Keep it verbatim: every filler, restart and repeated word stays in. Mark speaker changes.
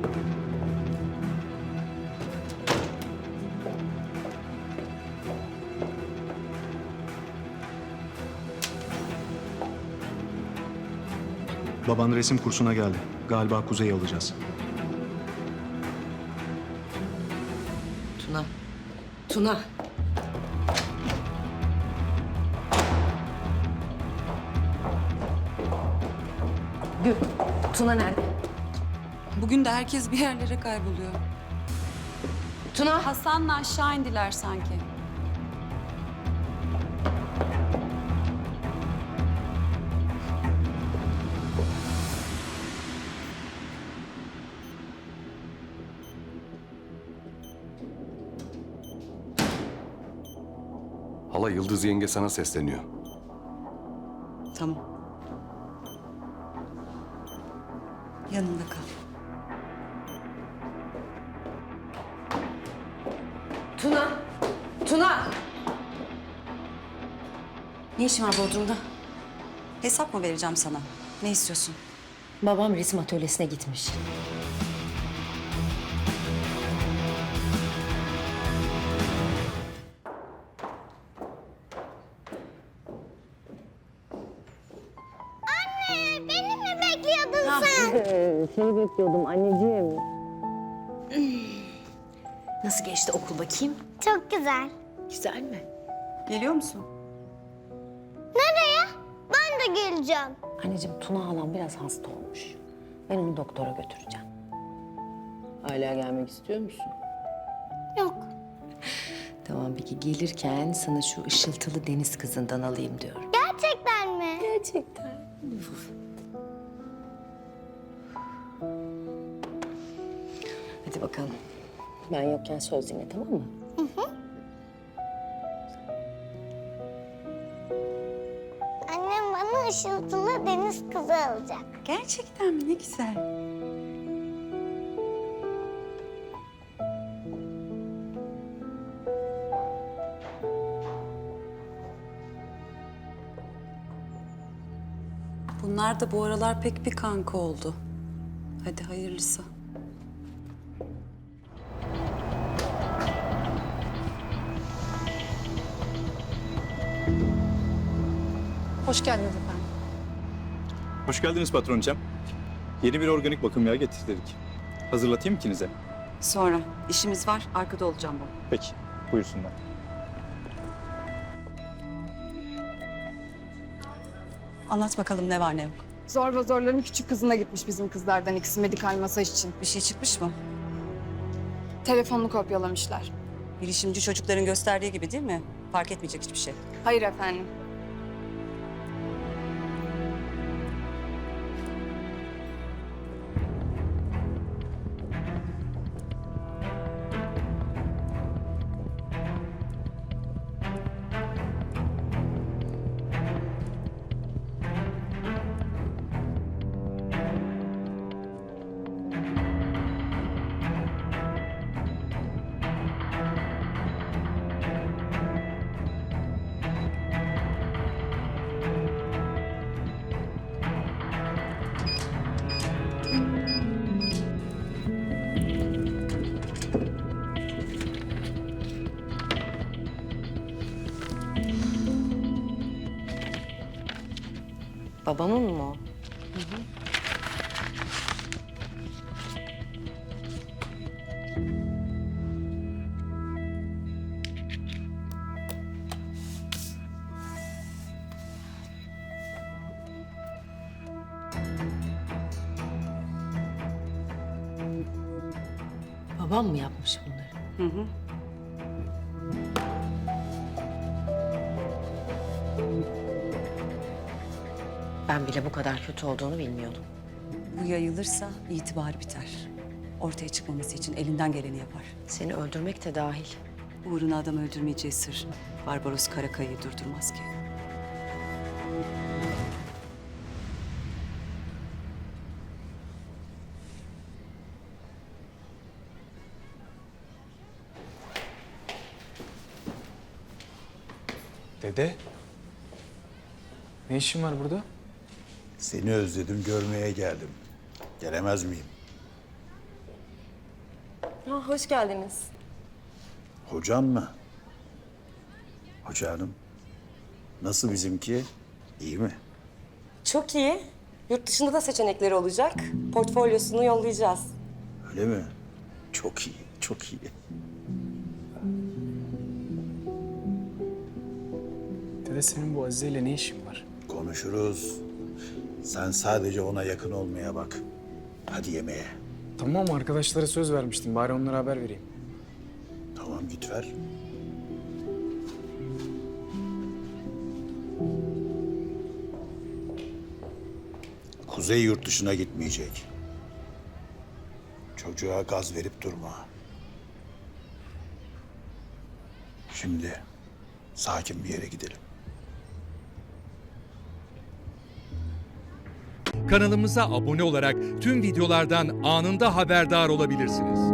Speaker 1: Baban resim kursuna geldi. Galiba Kuzey'i alacağız.
Speaker 2: Tuna. Tuna. Gül. Tuna nerede?
Speaker 3: Bugün de herkes bir yerlere kayboluyor.
Speaker 2: Tuna.
Speaker 3: Hasan'la aşağı indiler sanki.
Speaker 4: Hala Yıldız yenge sana sesleniyor.
Speaker 3: Tamam. Yanında kal.
Speaker 2: Tuna. Tuna. Ne işin var Bodrum'da?
Speaker 5: Hesap mı vereceğim sana? Ne istiyorsun?
Speaker 2: Babam resim atölyesine gitmiş.
Speaker 6: Beni mi bekliyordun sen?
Speaker 2: Seni bekliyordum anneciğim. Nasıl geçti okul bakayım?
Speaker 6: Çok güzel.
Speaker 2: Güzel mi?
Speaker 5: Geliyor musun?
Speaker 6: Nereye? Ben de geleceğim.
Speaker 2: Anneciğim Tuna halam biraz hasta olmuş. Ben onu doktora götüreceğim. Hala gelmek istiyor musun?
Speaker 6: Yok.
Speaker 2: Tamam peki gelirken sana şu ışıltılı deniz kızından alayım diyorum.
Speaker 6: Gerçekten mi?
Speaker 2: Gerçekten. Hadi bakalım. Ben yokken söz dinle tamam mı?
Speaker 6: Annem bana ışıltılı deniz kızı alacak.
Speaker 5: Gerçekten mi? Ne güzel.
Speaker 3: Bunlar da bu aralar pek bir kanka oldu. Hadi hayırlısı.
Speaker 7: Hoş geldiniz efendim.
Speaker 8: Hoş geldiniz patronçam. Yeni bir organik bakım yağı getirdik. Hazırlatayım ikinize.
Speaker 5: Sonra. işimiz var. Arkada olacağım ben.
Speaker 8: Peki, buyursunlar.
Speaker 5: Anlat bakalım ne var ne yok.
Speaker 7: Zorba zorların küçük kızına gitmiş bizim kızlardan ikisi medikal masaj için.
Speaker 5: Bir şey çıkmış mı?
Speaker 7: Telefonunu kopyalamışlar.
Speaker 5: Bilişimci çocukların gösterdiği gibi değil mi? Fark etmeyecek hiçbir şey.
Speaker 7: Hayır efendim.
Speaker 2: Babamın mı o? Babam mı yapmış bunları?
Speaker 5: Hı hı.
Speaker 2: Ben bile bu kadar kötü olduğunu bilmiyordum.
Speaker 5: Bu yayılırsa itibarı biter. Ortaya çıkmaması için elinden geleni yapar.
Speaker 2: Seni öldürmek de dahil.
Speaker 5: Uğruna adam öldürmeyeceği sır. Barbaros Karakaya'yı durdurmaz ki.
Speaker 8: Dede, ne işin var burada?
Speaker 9: Seni özledim, görmeye geldim. Gelemez miyim?
Speaker 2: Ha, hoş geldiniz.
Speaker 9: Hocam mı? Hoca hanım. Nasıl bizimki? İyi mi?
Speaker 10: Çok iyi. Yurt dışında da seçenekleri olacak. Portfolyosunu yollayacağız.
Speaker 9: Öyle mi? Çok iyi, çok iyi.
Speaker 11: Dede senin bu Azize ile ne işin var?
Speaker 9: Konuşuruz. Sen sadece ona yakın olmaya bak. Hadi yemeğe.
Speaker 11: Tamam arkadaşlara söz vermiştim. Bari onlara haber vereyim.
Speaker 9: Tamam git ver. Kuzey yurt dışına gitmeyecek. Çocuğa gaz verip durma. Şimdi sakin bir yere gidelim.
Speaker 12: Kanalımıza abone olarak tüm videolardan anında haberdar olabilirsiniz.